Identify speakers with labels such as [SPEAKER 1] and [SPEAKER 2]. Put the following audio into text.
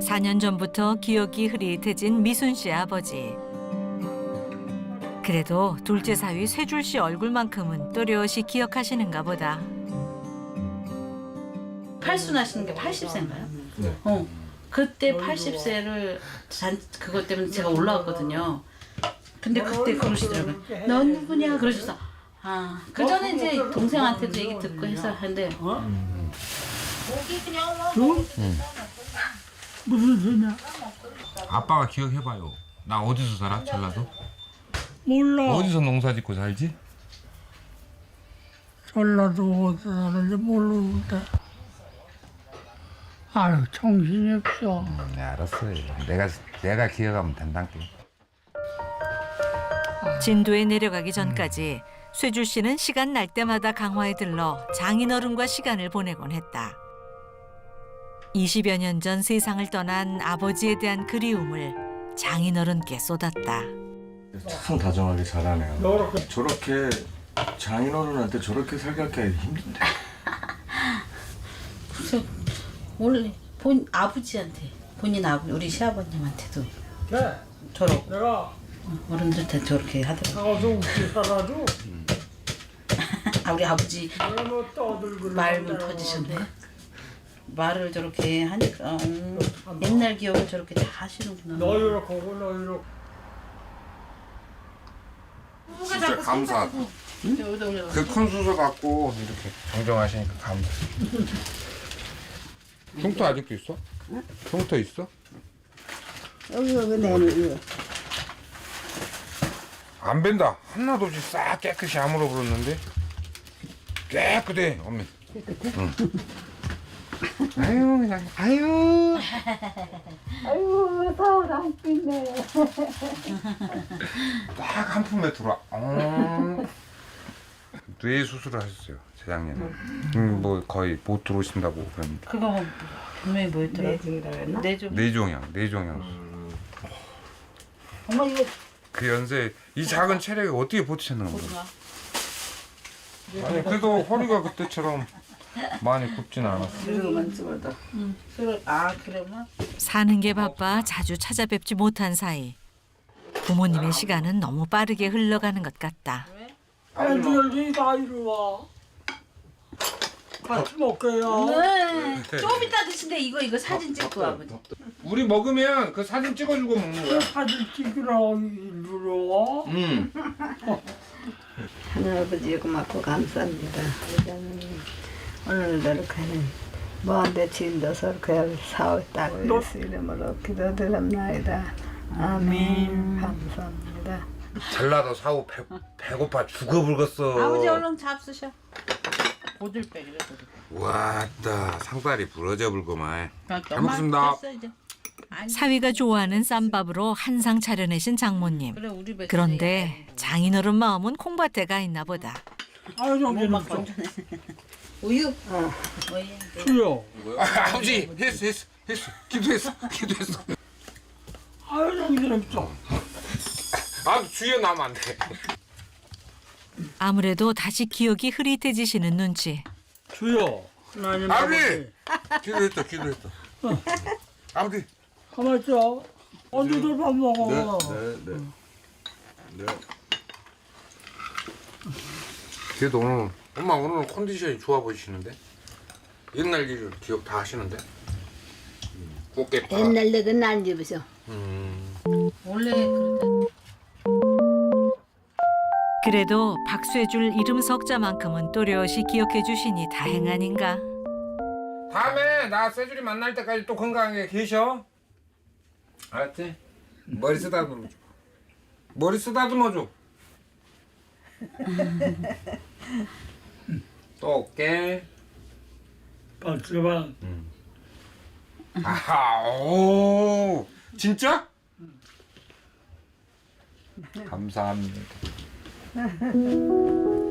[SPEAKER 1] 4년 전부터 기억이 흐릿해진 미순 씨 아버지. 그래도 둘째 사위 쇠줄 씨 얼굴만큼은 또렷이 기억하시는가 보다.
[SPEAKER 2] 팔순하시는 게 80세인가요?
[SPEAKER 3] 네.
[SPEAKER 2] 그때 80세를 그것 때문에 제가 올라왔거든요. 근데 그때 그러시더라고요. 넌 누구냐 그러셔서 그 전에 이제 동생한테도 얘기 듣고 해서 하는데
[SPEAKER 4] 무슨 소리야?
[SPEAKER 3] 아빠가 기억해봐요. 나 어디서 살아? 전라도?
[SPEAKER 4] 몰라.
[SPEAKER 3] 어디서 농사 짓고 살지?
[SPEAKER 4] 전라도 어디서 사는지 모르는데. 아유, 정신이 없어.
[SPEAKER 3] 네, 알았어요. 내가 기억하면 된단께.
[SPEAKER 1] 진도에 내려가기 전까지 쇠줄 씨는 시간 날 때마다 강화에 들러 장인어른과 시간을 보내곤 했다. 20여 년 전 세상을 떠난 아버지에 대한 그리움을 장인어른께 쏟았다.
[SPEAKER 5] 참 다정하게 잘하네요. 저렇게 장인어른한테 저렇게 살갑게 힘든데.
[SPEAKER 2] 그래서 원래 아버지한테 본인 우리 시아버님한테도 저렇게
[SPEAKER 4] 내가
[SPEAKER 2] 어른들한테 저렇게 하더라고요.
[SPEAKER 4] 나가서 웃기 살아도
[SPEAKER 2] 우리 아버지
[SPEAKER 4] 내가 뭐 떠들고
[SPEAKER 2] 말문 터지셨네. 말을 저렇게 하니까 옛날 기억을 저렇게 다 하시는구나.
[SPEAKER 4] 너 이렇게 하고 너 이렇게.
[SPEAKER 3] 진짜 감사. 그 큰 수저 갖고 이렇게 정정하시니까 감사. 흉터 아직도 있어? 흉터 있어?
[SPEAKER 6] 여기 내는 거.
[SPEAKER 3] 안 벤다. 하나도 없이 싹 깨끗이 아물어 버렸는데 깨끗해 어머니. 응. 아유 그냥 아유.
[SPEAKER 6] 아유, 서울 안 끼네.
[SPEAKER 3] 딱 한 품에 들어와. 뇌 수술을 하셨어요 재작년에. 뭐 거의 못 들어오신다고 그러니까.
[SPEAKER 2] 그거 분명히 뭐였더라?
[SPEAKER 6] 내중이라 그랬나?
[SPEAKER 3] 뇌종양.
[SPEAKER 2] 엄마 이거
[SPEAKER 3] 그 연세 이 작은 체력에 어떻게 버티셨는 건가?
[SPEAKER 2] 보드가
[SPEAKER 3] 아니 그래도 허리가 그때처럼 많이 굽진 않았어.
[SPEAKER 6] 이거만 찍어도.
[SPEAKER 2] 술을 그래만
[SPEAKER 1] 사는 게 바빠 자주 찾아뵙지 못한 사이 부모님의 시간은 너무 빠르게 흘러가는 것 같다.
[SPEAKER 4] 애들이 다 이리 와. 같이 먹게요.
[SPEAKER 2] 네. 좀 이따 드신데 이거 사진 찍고 아버지.
[SPEAKER 3] 우리 먹으면 그 사진 찍어주고 먹는 거야.
[SPEAKER 4] 사진 찍으라고 이리로 와.
[SPEAKER 3] 응.
[SPEAKER 6] 하늘아버지 고맙고 감사합니다. 오늘도 이렇게 먼데 진도서 이렇게 사올 딸을 예수 이름으로 기도드립니다. 아멘. 감사합니다.
[SPEAKER 3] 전라도 사오 배고파 죽어불겠어.
[SPEAKER 2] 아버지 얼른 잡수셔. 보들빼기를.
[SPEAKER 3] 왔다 상다리 부러져 불고만.
[SPEAKER 2] 그러니까
[SPEAKER 3] 잘 먹습니다.
[SPEAKER 2] 됐어, 이제. 아니,
[SPEAKER 1] 사위가 좋아하는 쌈밥으로 한상 차려내신 장모님.
[SPEAKER 2] 그래 우리 뱃속에
[SPEAKER 1] 그런데 장인어른 마음은 콩밭에 가 있나 보다.
[SPEAKER 4] 아유, 정신
[SPEAKER 2] 막
[SPEAKER 4] 없어.
[SPEAKER 2] 건져내. 우유. 우유.
[SPEAKER 4] 주여.
[SPEAKER 3] 아버지 했어 기도했어.
[SPEAKER 4] 아유, 정신 없어.
[SPEAKER 3] 아 주여 나면 안 돼.
[SPEAKER 1] 아무래도 다시 기억이 흐릿해지시는 눈치.
[SPEAKER 4] 주여. 하나님
[SPEAKER 3] 아버지 기도했다. 아버지.
[SPEAKER 4] 가만 있어. 언제들 밥 먹어.
[SPEAKER 5] 네.
[SPEAKER 3] 그래도 오늘 엄마 오늘 컨디션이 좋아 보이시는데 옛날 일을 기억 다 하시는데 꽃게 파.
[SPEAKER 6] 옛날 내가 난 집에서.
[SPEAKER 2] 원래 그랬다.
[SPEAKER 1] 그래도 박쇠줄 이름 석자만큼은 또렷이 기억해 주시니 다행 아닌가.
[SPEAKER 3] 다음에 나 쇠줄이 만날 때까지 또 건강하게 계셔. 알았지? 머리 쓰다듬어 줘. 머리 쓰다듬어 줘. 또 올게.
[SPEAKER 4] 박수방.
[SPEAKER 3] 아하, 오, 진짜? 감사합니다.